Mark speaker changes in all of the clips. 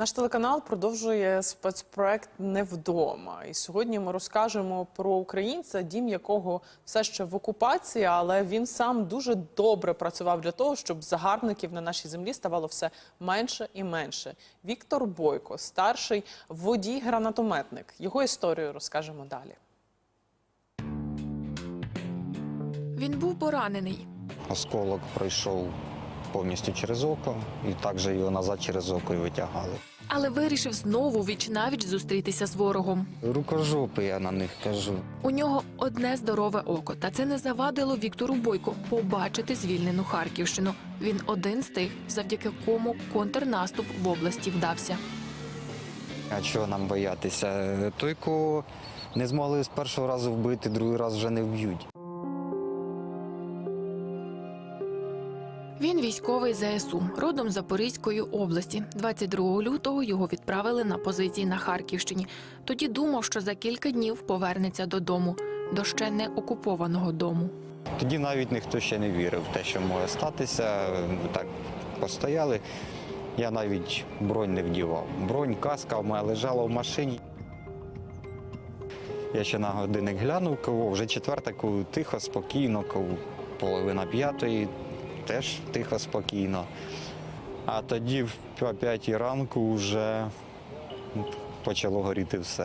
Speaker 1: Наш телеканал продовжує спецпроект «Невдома». І сьогодні ми розкажемо про українця, дім якого все ще в окупації, але він сам дуже добре працював для того, щоб загарбників на нашій землі ставало все менше і менше. Віктор Бойко, старший водій-гранатометник. Його історію розкажемо далі.
Speaker 2: Він був поранений.
Speaker 3: Осколок пройшов повністю через око, і також його назад через око і витягали.
Speaker 2: Але вирішив знову віч-навіч зустрітися з ворогом.
Speaker 3: Рукожопи, я на них кажу.
Speaker 2: У нього одне здорове око, та це не завадило Віктору Бойку побачити звільнену Харківщину. Він один з тих, завдяки кому контрнаступ в області вдався.
Speaker 3: А чого нам боятися? Той, кого не змогли з першого разу вбити, другий раз вже не вб'ють.
Speaker 2: Він військовий ЗСУ, родом з Запорізької області. 22 лютого його відправили на позиції на Харківщині. Тоді думав, що за кілька днів повернеться додому, до ще не окупованого дому.
Speaker 3: Тоді навіть ніхто ще не вірив в те, що може статися. Так постояли. Я навіть бронь не вдівав. Бронь, каска в мене лежала в машині. Я ще на годинник глянув, вже четверта, тихо, спокійно, половина п'ятої. Теж тихо, спокійно. А тоді в 5 ранку вже почало горіти все.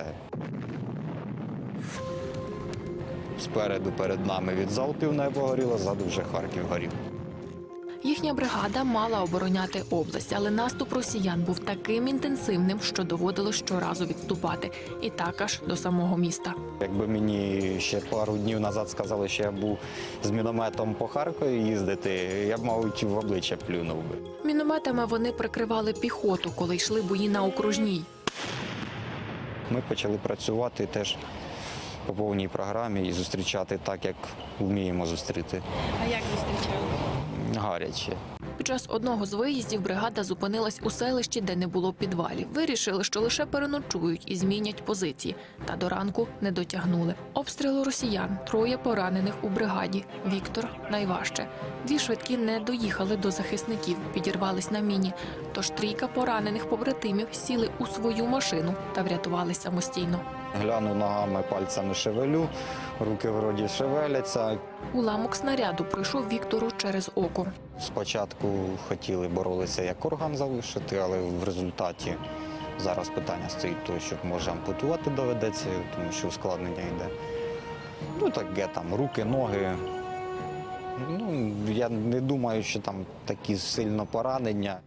Speaker 3: Спереду перед нами від залпів небо горіло, ззаду вже Харків горів.
Speaker 2: Їхня бригада мала обороняти область, але наступ росіян був таким інтенсивним, що доводилось щоразу відступати. І так аж до самого міста.
Speaker 3: Якби мені ще пару днів назад сказали, що я був з мінометом по Харкові їздити, я б, мабуть, в обличчя плюнув би.
Speaker 2: Мінометами вони прикривали піхоту, коли йшли бої на окружній.
Speaker 3: Ми почали працювати теж по повній програмі і зустрічати так, як вміємо зустріти.
Speaker 2: А як зустрічали?
Speaker 3: Гаряче.
Speaker 2: Під час одного з виїздів бригада зупинилась у селищі, де не було підвалів. Вирішили, що лише переночують і змінять позиції. Та до ранку не дотягнули. Обстріли росіян, 3 поранених у бригаді. Віктор – найважче. 2 швидкі не доїхали до захисників, підірвались на міні. Тож 3 поранених побратимів сіли у свою машину та врятувались самостійно.
Speaker 3: Гляну ногами, пальцями шевелю, руки вроді шевеляться.
Speaker 2: Уламок снаряду пройшов Віктору через око.
Speaker 3: Спочатку хотіли боролися як орган залишити, але в результаті зараз питання стоїть того, що може ампутувати доведеться, тому що ускладнення йде. Ну таке там, руки, ноги. Ну, я не думаю, що там такі сильно поранення.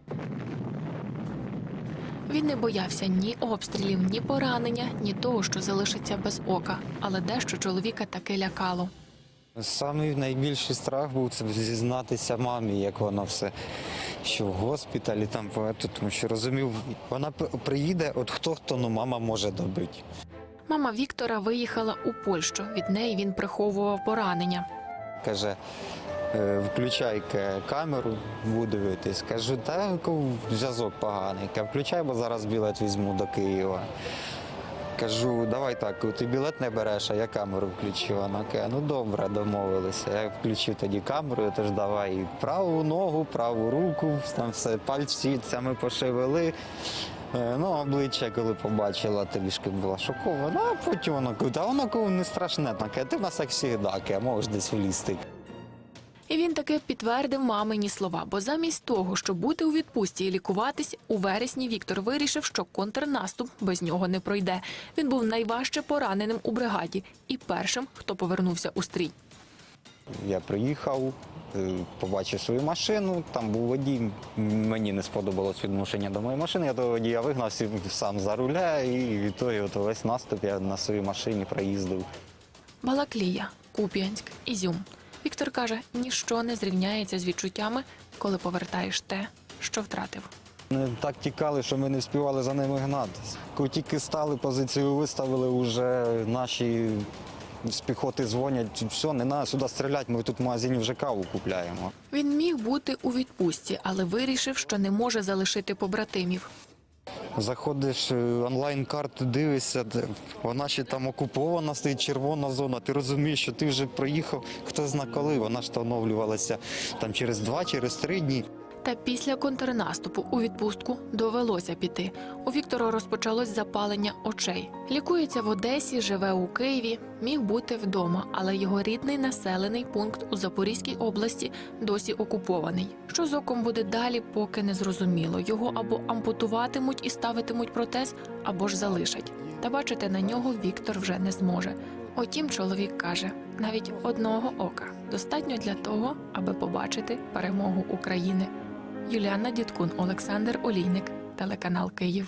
Speaker 2: Він не боявся ні обстрілів, ні поранення, ні того, що залишиться без ока. Але дещо чоловіка таки лякало.
Speaker 3: Самий найбільший страх був це зізнатися мамі, як воно все, що в госпіталі, там, тому що розумів, вона приїде, от хто, ну мама може добити.
Speaker 2: Мама Віктора виїхала у Польщу. Від неї він приховував поранення.
Speaker 3: Каже, включай камеру, буду дивитись. Кажу, та зв'язок поганий. Каже, включай, бо зараз білет візьму до Києва. Кажу, давай так, ти білет не береш, а я камеру включу. Вона каже, ну добре, домовилися. Я включив тоді камеру, тож давай праву ногу, праву руку, там все, пальцями пошевели. Ну, обличчя, коли побачила, трішки була шокована, а потім вона каже, а воно не страшне, каже, ти в нас як завжди, можеш десь влізти.
Speaker 2: І він таки підтвердив мамині слова, бо замість того, щоб бути у відпустці і лікуватись, у вересні Віктор вирішив, що контрнаступ без нього не пройде. Він був найважче пораненим у бригаді і першим, хто повернувся у стрій.
Speaker 3: Я приїхав, побачив свою машину, там був водій, мені не сподобалось відношення до моєї машини, я того водія вигнав, сів сам за руля і відтоді весь наступ я на своїй машині проїздив.
Speaker 2: Балаклія, Куп'янськ, Ізюм. Віктор каже, ніщо не зрівняється з відчуттями, коли повертаєш те, що втратив.
Speaker 3: Вони так тікали, що ми не встигали за ними гнатися. Коли тільки стали, позицію виставили, вже наші з піхоти дзвонять, все, не треба сюди стріляти, ми тут в магазині вже каву купляємо.
Speaker 2: Він міг бути у відпустці, але вирішив, що не може залишити побратимів.
Speaker 3: Заходиш онлайн-карту, дивишся, вона ще там окупована, стоїть червона зона. Ти розумієш, що ти вже проїхав, хто зна коли. Вона ж встановлювалася там через 2, через 3 дні.
Speaker 2: Та після контрнаступу у відпустку довелося піти. У Віктора розпочалось запалення очей. Лікується в Одесі, живе у Києві, міг бути вдома, але його рідний населений пункт у Запорізькій області досі окупований. Що з оком буде далі, поки не зрозуміло. Його або ампутуватимуть і ставитимуть протез, або ж залишать. Та бачити на нього Віктор вже не зможе. Утім, чоловік каже, навіть одного ока достатньо для того, аби побачити перемогу України. Юліана Дідкун, Олександр Олійник, телеканал Київ.